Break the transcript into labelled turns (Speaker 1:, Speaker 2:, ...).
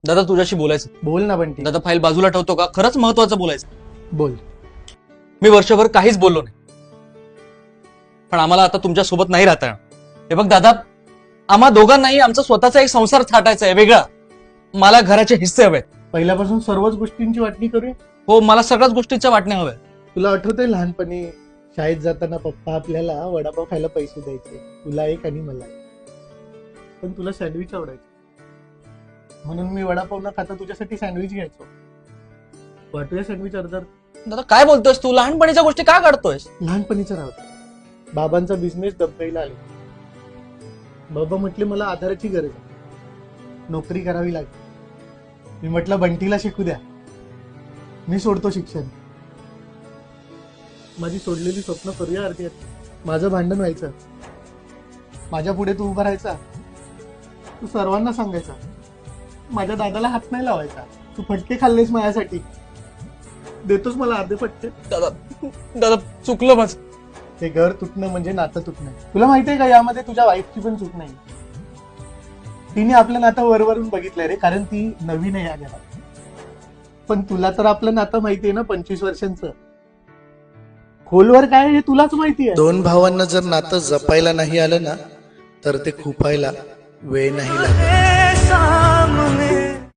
Speaker 1: दादा तुझ्याशी बोलायचं.
Speaker 2: बोल ना बंटी.
Speaker 1: दादा फाईल बाजूला ठेवतो का? खरंच महत्वाचं बोलायचं.
Speaker 2: बोल.
Speaker 1: मी वर्षभर काहीच बोललो नाही, पण आम्हाला आता तुमच्या सोबत नाही राहता येणार. हे बघ दादा, आम्हा दोघांनाही आमचा स्वतःचा एक संसार थाटायचा आहे वेगळा. मला घराचे हिस्से हवेत.
Speaker 2: पहिल्यापासून सर्वच गोष्टींची वाटणी करूया.
Speaker 1: हो, मला सगळ्याच गोष्टीच्या वाटण्या हव्या.
Speaker 2: तुला आठवतंय लहानपणी शाळेत जाताना पप्पा आपल्याला वडापाव खायला पैसे द्यायचे, तुला एक आणि मला एक. पण तुला सँडविच आवडायचं म्हणून मी वडापाव न खाता तुझ्यासाठी सँडविच घ्यायचो. वाटूया सँडविच अर्धा.
Speaker 1: दादा काय बोलतोयस तू? लहानपणीच्या गोष्टी का काढतोयस?
Speaker 2: लहानपणीचं राहतं. बाबांचा बिझनेस दबकाईला आले. बाबा म्हटले मला आधाराची गरज आहे, नोकरी करावी लागेल. मी म्हटलं बंटीला शिकू द्या, मी सोडतो शिक्षण. माझी सोडलेली स्वप्न करूया अर्धी. माझं भांडण व्हायचं, माझ्या पुढे तू उभा राहायचा, तू सर्वांना सांगायचा. माझ्या दादाला हात नाही लावायचा. तू फटके खाल्लेस माझ्यासाठी, देतोस मला अर्धे फटके.
Speaker 1: दादा दादा चुकलं माझं.
Speaker 2: ते घर तुटणं म्हणजे नातं तुटणं. तुला माहितीये का, यामध्ये तुझ्या वाईफची पण चूक नाही. तिने आपलं नातं वरवरून बघितलंय रे, कारण ती नवीन आहे या घरात. पण तुला तर आपलं नातं माहितीये ना, 25 वर्षांचं. खोलवर काय हे तुलाच माहिती आहे.
Speaker 3: दोन भावांना जर नातं जपायला नाही आलं ना, तर ते खुपायला वेळ नाही लागत.